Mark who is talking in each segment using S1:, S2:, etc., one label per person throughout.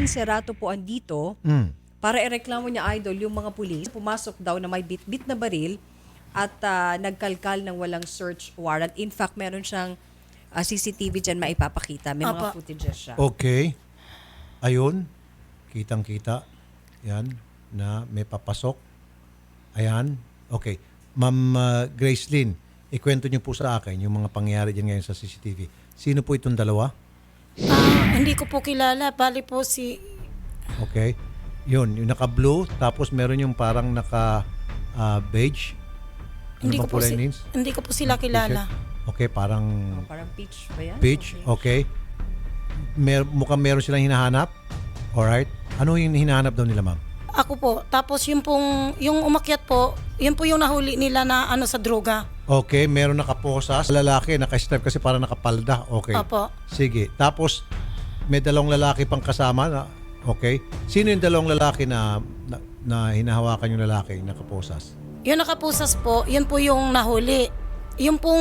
S1: Gresleen Serrato po andito para ireklamo niya, idol, yung mga pulis. Pumasok daw na may bit-bit na baril at nagkalkal ng walang search warrant. In fact, meron siyang CCTV dyan maipapakita. May mga footages siya.
S2: Okay. Ayun. Kitang-kita. Yan. Na may papasok. Ayan. Okay. Ma'am Gresleen, ikwento niyo po sa akin yung mga pangyayari dyan ngayon sa CCTV. Sino po itong dalawa?
S3: Hindi ko po kilala. Bali po si...
S2: Okay. Yun. Yung naka-blue. Tapos meron yung parang naka-beige.
S3: Hindi ko po sila kilala.
S2: Okay, parang
S1: Parang peach ba yan?
S2: peach. Okay. Mukhang meron silang hinahanap. Alright. Ano yung hinahanap daw nila, ma'am?
S3: Ako po. Tapos yung umakyat po, yun po yung nahuli nila na sa droga.
S2: Okay, meron nakaposas. Lalaki, naka-strap kasi parang nakapalda. Okay.
S3: Opo.
S2: Sige. Tapos, may dalawang lalaki pang kasama. Okay. Sino yung dalawang lalaki na hinahawakan yung lalaki nakaposas?
S3: Yung nakapusas po, yun po yung nahuli. Yung pong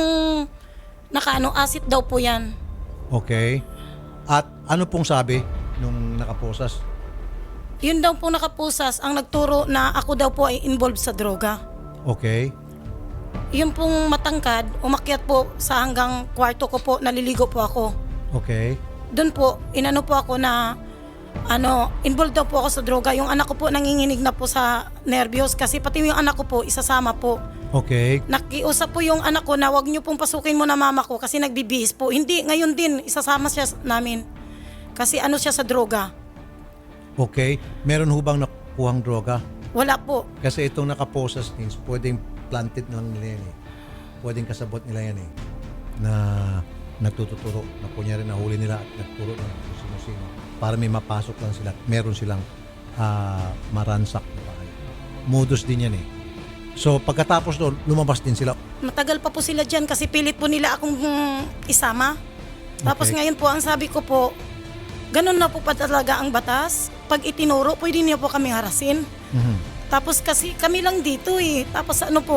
S3: acid daw po yan.
S2: Okay. At ano pong sabi nung nakaposas?
S3: Yun daw po nakapusas ang nagturo na ako daw po ay involved sa droga.
S2: Okay.
S3: Yung pong matangkad, umakyat po sa hanggang kwarto ko po, naliligo po ako.
S2: Okay.
S3: Doon po, inano po ako na involved daw po ako sa droga. Yung anak ko po nanginginig na po sa nervyos kasi pati yung anak ko po isasama po.
S2: Okay.
S3: Nakiusap po yung anak ko na wag niyo pong pasukin mo na mama ko kasi nagbibihis po. Hindi, ngayon din isasama siya namin. Kasi siya sa droga.
S2: Okay. Meron hubang nakuhang droga?
S3: Wala po.
S2: Kasi itong nakaposas things, pwedeng planted lang nila yan eh. Pwedeng kasabot nila yan eh. Na nagtuturo. Na kunyari nahuli nila at nagturo ng sino-sino. Para may mapasok lang sila. Meron silang maransak na bahay. Modus din yan eh. So pagkatapos doon, lumabas din sila.
S3: Matagal pa po sila dyan kasi pilit po nila akong isama. Tapos
S2: Okay.
S3: ngayon po, ang sabi ko po, ganun na po pa talaga ang batas. Pag itinuro, pwede niyo po kami harasin.
S2: Mhm.
S3: Tapos kasi kami lang dito eh. Tapos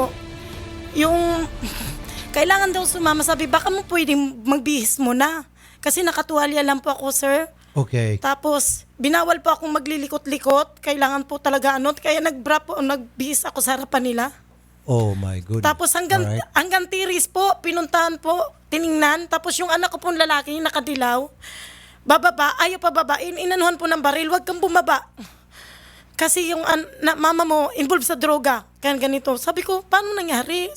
S3: yung kailangan daw sumama. Sabi, baka mo pwedeng magbihis mo na. Kasi nakatuwalya lang po ako, sir.
S2: Okay.
S3: Tapos, binawal po akong maglilikot-likot. Kailangan po talaga kaya nagbihis ako sa harapan nila.
S2: Oh my goodness.
S3: Tapos hanggang tiris po, pinuntahan po, tiningnan. Tapos yung anak ko pong lalaki, nakadilaw. Bababa, ayaw pa babain. Inanuhan po ng baril, wag kang bumaba. Kasi yung mama mo involved sa droga. Kaya ganito. Sabi ko, paano nangyari?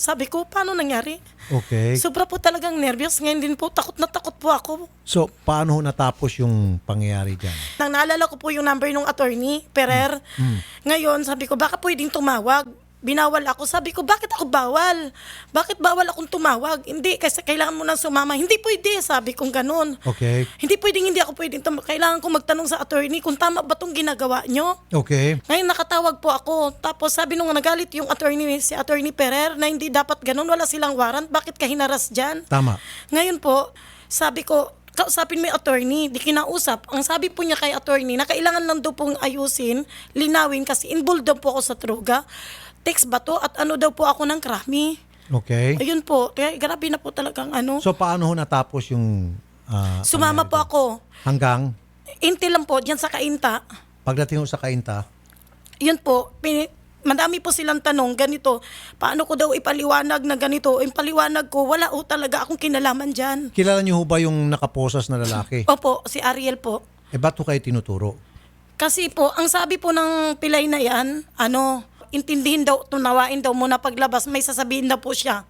S2: Okay.
S3: Sobra po talagang nervyos. Ngayon din po, takot na takot po ako.
S2: So, paano ho natapos yung pangyayari dyan?
S3: Nang naalala ko po yung number ng attorney, Perer. Ngayon, sabi ko, baka pwedeng tumawag. Binawal ako. Sabi ko, bakit ako bawal? Bakit bawal akong tumawag? Hindi, kasi kailangan mo nang sumama. Hindi pwede, sabi kong ganun.
S2: Okay.
S3: Hindi ko pwedeng kailangan kong magtanong sa attorney kung tama ba itong ginagawa nyo.
S2: Okay.
S3: Ngayon nakatawag po ako. Tapos sabi nung nagalit yung si attorney Perer na hindi dapat ganun, wala silang warrant. Bakit ka hinaras dyan?
S2: Tama.
S3: Ngayon po, sabi ko, kausapin mo yung attorney, di kinausap. Ang sabi po niya kay attorney na kailangan lang daw pong ayusin, linawin kasi involved daw po ako sa droga. Text ba to? At daw po ako ng krami.
S2: Okay.
S3: Ayun po, kaya grabe na po talagang
S2: So, paano ho natapos yung
S3: Sumama po ako.
S2: hanggang
S3: Inti lang po, dyan sa Kainta.
S2: pagdating ho sa Kainta?
S3: Yun po, madami po silang tanong, ganito, paano ko daw ipaliwanag na ganito? Yung paliwanag ko, wala talaga akong kinalaman dyan.
S2: Kilala niyo ho ba yung nakaposas na lalaki?
S3: Opo, si Ariel po.
S2: Ba't ho kayo tinuturo?
S3: Kasi po, ang sabi po ng pilay na yan, intindihin daw, tunawain daw muna paglabas, may sasabihin na po siya.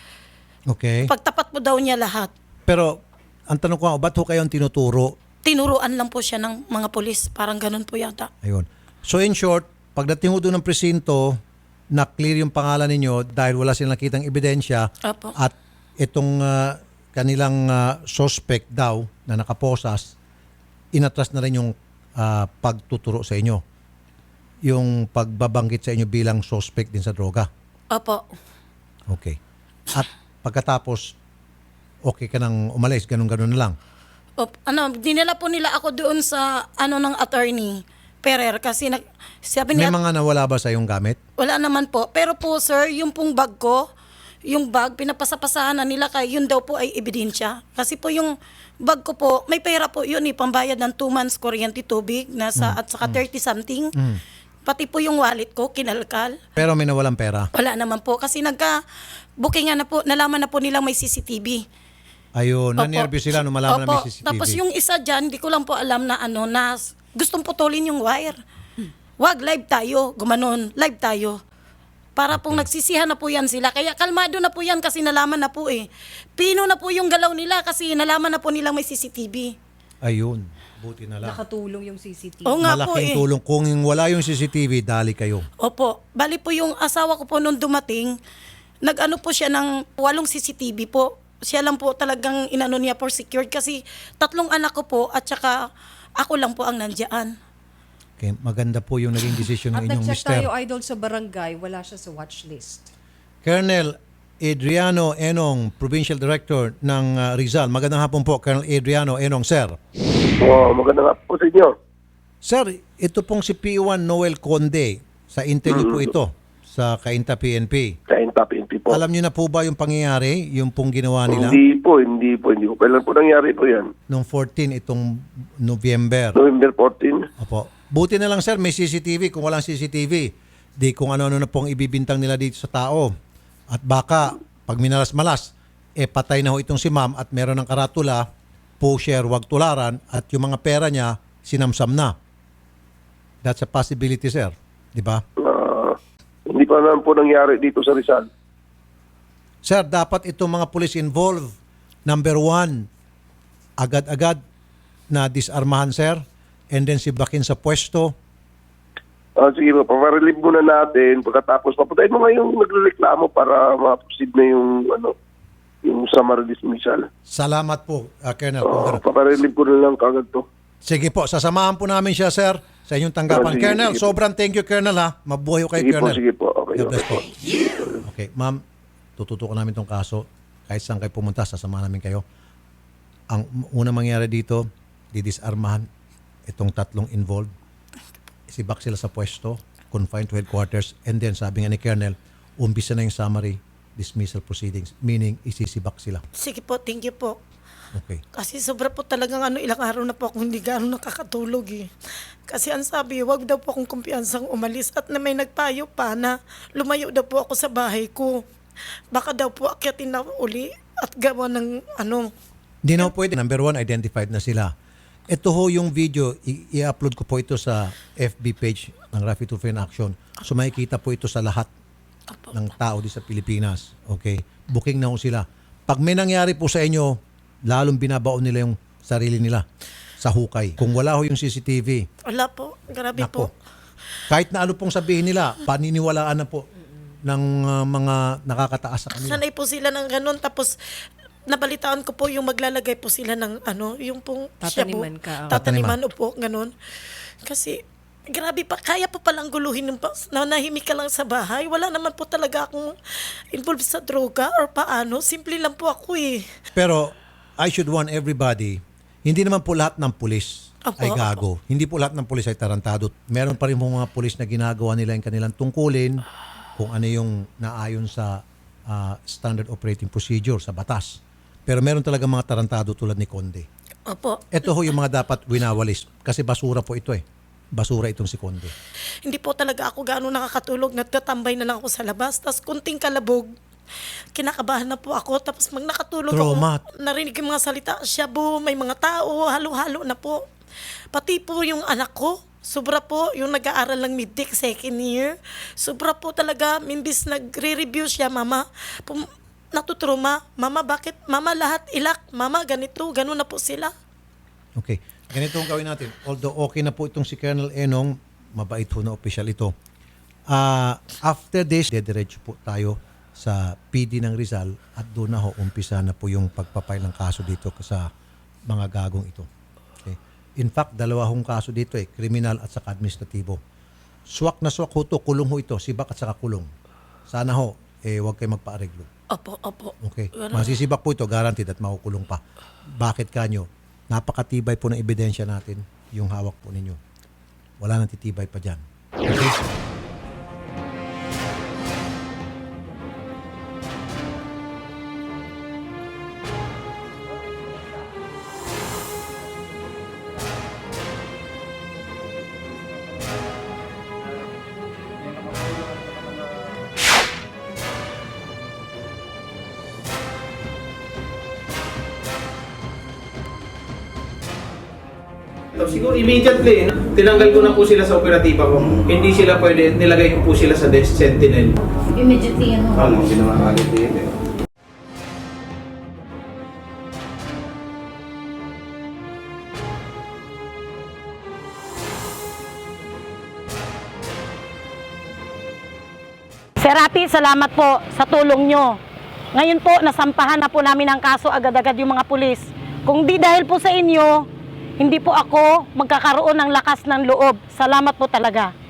S2: Okay.
S3: Pagtapat po daw niya lahat.
S2: Pero, ang tanong ko, ba't ho kayo ang tinuturo?
S3: Tinuruan lang po siya ng mga polis, parang ganun po yata.
S2: Ayun. So, in short, pagdating ho doon ng presinto, na-clear yung pangalan ninyo dahil wala silang nakitang ebidensya.
S3: Opo.
S2: At itong kanilang suspect daw na nakaposas, inatras na rin yung pagtuturo sa inyo. Yung pagbabanggit sa inyo bilang suspect din sa droga.
S3: Opo.
S2: Okay. At pagkatapos, okay ka nang umalis, ganun-ganun na lang.
S3: Dinala po nila ako doon sa ng attorney Perer kasi sabi
S2: May
S3: niya
S2: mga nawala ba sa iyong gamit?
S3: wala naman po. Pero po sir, yung pong bag ko, yung bag, pinapasapasahan na nila kaya yun daw po ay ebidensya. Kasi po yung bag ko po, may pera po yun pambayad ng 2 months kuryente tubig, at saka 30 something. Pati po yung wallet ko, kinalkal.
S2: Pero may nawalang pera.
S3: Wala naman po kasi nagka-booking na po, nalaman na po nilang may CCTV.
S2: Ayun,
S3: Opo.
S2: nanervyo sila nung malaman na may
S3: Opo.
S2: CCTV.
S3: Tapos yung isa dyan, di ko lang po alam na na gustong putulin yung wire. Wag, live tayo, gumanon, live tayo. Para pong nagsisihan na po yan sila. Kaya kalmado na po yan kasi nalaman na po Pino na po yung galaw nila kasi nalaman na po nilang may CCTV.
S2: Ayun, buti na lang.
S1: Nakatulong yung CCTV.
S3: Oo nga po
S2: Malaking tulong. Kung wala yung CCTV, dali kayo.
S3: Opo. Bali po yung asawa ko po nung dumating, nag-ano po siya ng 8 CCTV po. Siya lang po talagang inano niya for secured kasi 3 anak ko po at saka ako lang po ang nandiyan.
S2: Okay, maganda po yung naging decision
S1: At
S2: ng inyong
S1: nag-check
S2: mister.
S1: tayo, Idol, sa barangay, wala siya sa watch list.
S2: Colonel Adriano Enong, Provincial Director ng Rizal. Magandang hapon po, Colonel Adriano Enong, sir.
S4: Magandang hapon po sa inyo.
S2: Sir, ito pong si P1 Noel Conde, sa interview po ito, sa Cainta PNP.
S4: Kainta PNP po.
S2: Alam niyo na po ba yung pangyayari, yung pong ginawa nila?
S4: Hindi po. Kailan po nangyari po yan?
S2: Noong 14, itong November.
S4: November 14?
S2: Opo. Buti na lang sir, may CCTV. Kung walang CCTV, di kung ano-ano na pong ibibintang nila dito sa tao. At baka, pag minalas-malas, patay na ho itong si ma'am at meron ng karatula, pusher, wag tularan, at yung mga pera niya, sinamsam na. That's a possibility, sir. Di ba?
S4: Hindi pa naman po nangyari dito sa Rizal.
S2: Sir, dapat itong mga police involved, number 1, agad-agad na disarmahan, sir, and then sibakin sa pwesto.
S4: Sige po, paparelieve muna natin. Pagkatapos, papatayin mo nga yung nagreklamo para ma-proceed na yung summary dismissal.
S2: Salamat po, Colonel. Kung ganun.
S4: Paparelieve ko na lang kagad to.
S2: Sige po, sasamahan po namin siya, sir, sa inyong tanggapan.
S4: Sige,
S2: Colonel,
S4: sige po.
S2: sobrang thank you, Colonel, ha. Mabuhay ko kay Colonel.
S4: Sige po. Okay.
S2: God bless po. Okay, ma'am, tututukan namin itong kaso. Kahit saan kayo pumunta, sasamahan namin kayo. Ang unang mangyari dito, didisarmahan itong 3 involved. Isibak sila sa pwesto, confined to headquarters, and then sabi nga ni Colonel, umpisa na yung summary dismissal proceedings, meaning isisibak sila.
S3: Sige po, thank you po.
S2: Okay.
S3: Kasi sobra po talagang ilang araw na po ako hindi gano'n nakakatulog Kasi ang sabi, wag daw po akong kumpiyansang umalis at na may nagpayo pa na lumayo daw po ako sa bahay ko. Baka daw po akyatin na uli at gawa ng
S2: Hindi na po pwede. Number 1, identified na sila. Ito ho yung video, i-upload ko po ito sa FB page ng Rafi Tulfo in Action. So makikita po ito sa lahat ng tao di sa Pilipinas. Okay? Booking na ho sila. Pag may nangyari po sa inyo, lalong binabaon nila yung sarili nila sa hukay. Kung wala ho yung CCTV,
S3: Wala po, grabe
S2: nako.
S3: po.
S2: Kahit na ano pong sabihin nila, paniniwalaan na po ng mga nakakataas sa kanila.
S3: Sanay po sila ng ganun. Tapos, nabalitaan ko po yung maglalagay po sila ng yung pong
S1: Tataniman
S3: shabu.
S1: ka, oh.
S3: Tataniman po, ganun. Kasi, grabe pa, kaya po palang guluhin ng nanahimik ka lang sa bahay. Wala naman po talaga akong involved sa droga or paano. Simple lang po ako
S2: Pero I should warn everybody, hindi naman po lahat ng pulis
S3: Opo,
S2: ay gago. Hindi po lahat ng pulis ay tarantado. Meron pa rin po mga pulis na ginagawa nila yung kanilang tungkulin kung ano yung naayon sa standard operating procedure sa batas. Pero meron talaga mga tarantado tulad ni Conde.
S3: Opo.
S2: Ito ho yung mga dapat winawalis kasi basura po ito Basura itong si Conde.
S3: Hindi po talaga ako gaano nakakatulog. Nagtatambay na lang ako sa labas. Tapos kunting kalabog, kinakabahan na po ako. Tapos mag nakatulog
S2: Trauma.
S3: ako, narinig yung mga salita, shabu, may mga tao, halo-halo na po. Pati po yung anak ko, sobra po, yung nag-aaral ng mid-tech second year. Sobra po talaga, mimbis nagre-review siya, mama, natutruma, mama bakit, mama lahat ilak, mama ganito, gano'n na po sila.
S2: Okay. Ganito ang gawin natin. Although okay na po itong si Colonel Enong, mabait ho na official ito. After this, dediretso po tayo sa PD ng Rizal at doon na ho umpisa na po yung pagpapay ng kaso dito sa mga gagong ito. Okay. In fact, 2 hong kaso dito kriminal at saka administratibo. Swak na swak ho to, kulong ho ito, sibak at saka kulong. Sana ho, huwag kayo magpaareglo.
S3: Opo, opo.
S2: Okay. Masisibak po ito, guaranteed at makukulong pa. Bakit kanyo? Napakatibay po ng ebidensya natin yung hawak po ninyo. Wala nang titibay pa dyan. Okay?
S5: siguro immediately, tinanggal ko na po sila sa operatiba ko. Hindi sila pwede, nilagay ko po sila sa desk sentinel.
S6: Immediately, ano?
S5: Ano, ginawa agad din eh.
S3: Sir Rapi, salamat po sa tulong nyo. Ngayon po, nasampahan na po namin ang kaso agad-agad yung mga pulis. Kung di dahil po sa inyo, hindi po ako magkakaroon ng lakas ng loob. Salamat po talaga.